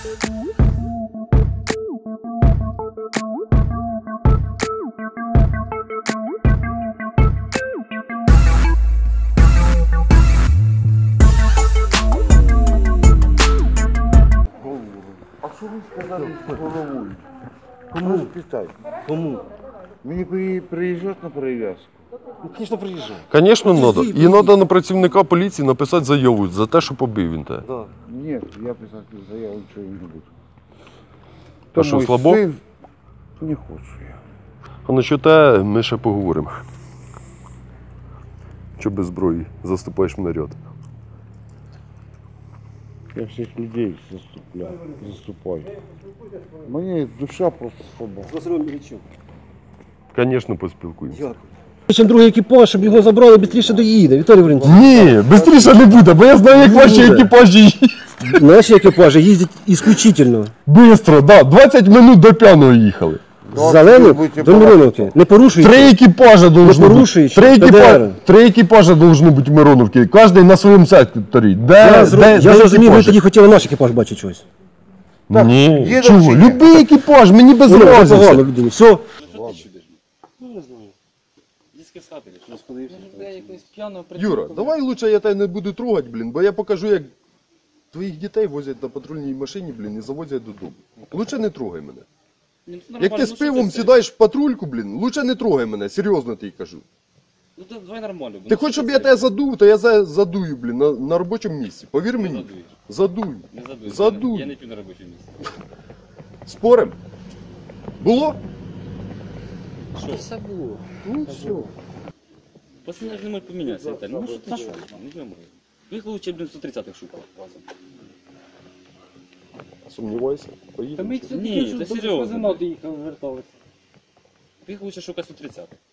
А що ви сказали з головою? Кому? Питай. Кому? Мені приїжджати на перев'язку? Ну, звісно, приїжджай. Звісно, треба. І треба на працівника поліції написати заяву за те, що побив він тебе. Да. Ні, я писати заяву нічого не буду. А що, слабо? Не хочу я. А насчет те ми ще поговоримо. Що без зброї заступаєш в наряд? Я всіх людей заступаю. Мені душа просто слаба. З Василем Іллічем. Звісно, поспілкуємося. Дякую. Ще другий екіпаж, щоб його забрали, швидше доїде. Віталій Валентинович. Ні, швидше не буде, бо я знаю, як ваші екіпажі їздять. Наші екіпажі їздять ісключительно. Бистро, да, 20 минут до П'яного їхали. З Зелених до Мироновки. Не порушуючи. 3 екіпажа должно бути. 3 екіпажа должно бути в Мироновці. Кожен на своєму секторі. Я зрозумів, ви тоді хотіли наш екіпаж бачити щось. Ні, чого? Любий екіпаж, мені без разниці. Людині. Все. Юра, давай лучше я тебе не буду трогати, блін, бо я покажу, як твоїх дітей возять на патрульній машині, блін, і завозять додому. Лучше не трогай мене. Як ти з пивом сідаєш в патрульку, блін, лучше не трогай мене, серйозно тобі кажу. Ну давай нормально. Ти хочеш, щоб я тебе задув, то я задую, блін, на робочому місці. Повір мені. Задую. Не задуй. Задуй. Я не п'ю на робочому місці. Спорим? Було? Що? Все було. Ну все. Пацани ж не можуть помінятися, Віталій. Ну що ти що? Не можу. Їх лучше, блін, 130-х шукав. Сумнівайся. Поїдемо. Ні, це серйозно. доїхали, верталися. Їх лучше шукати 130-х.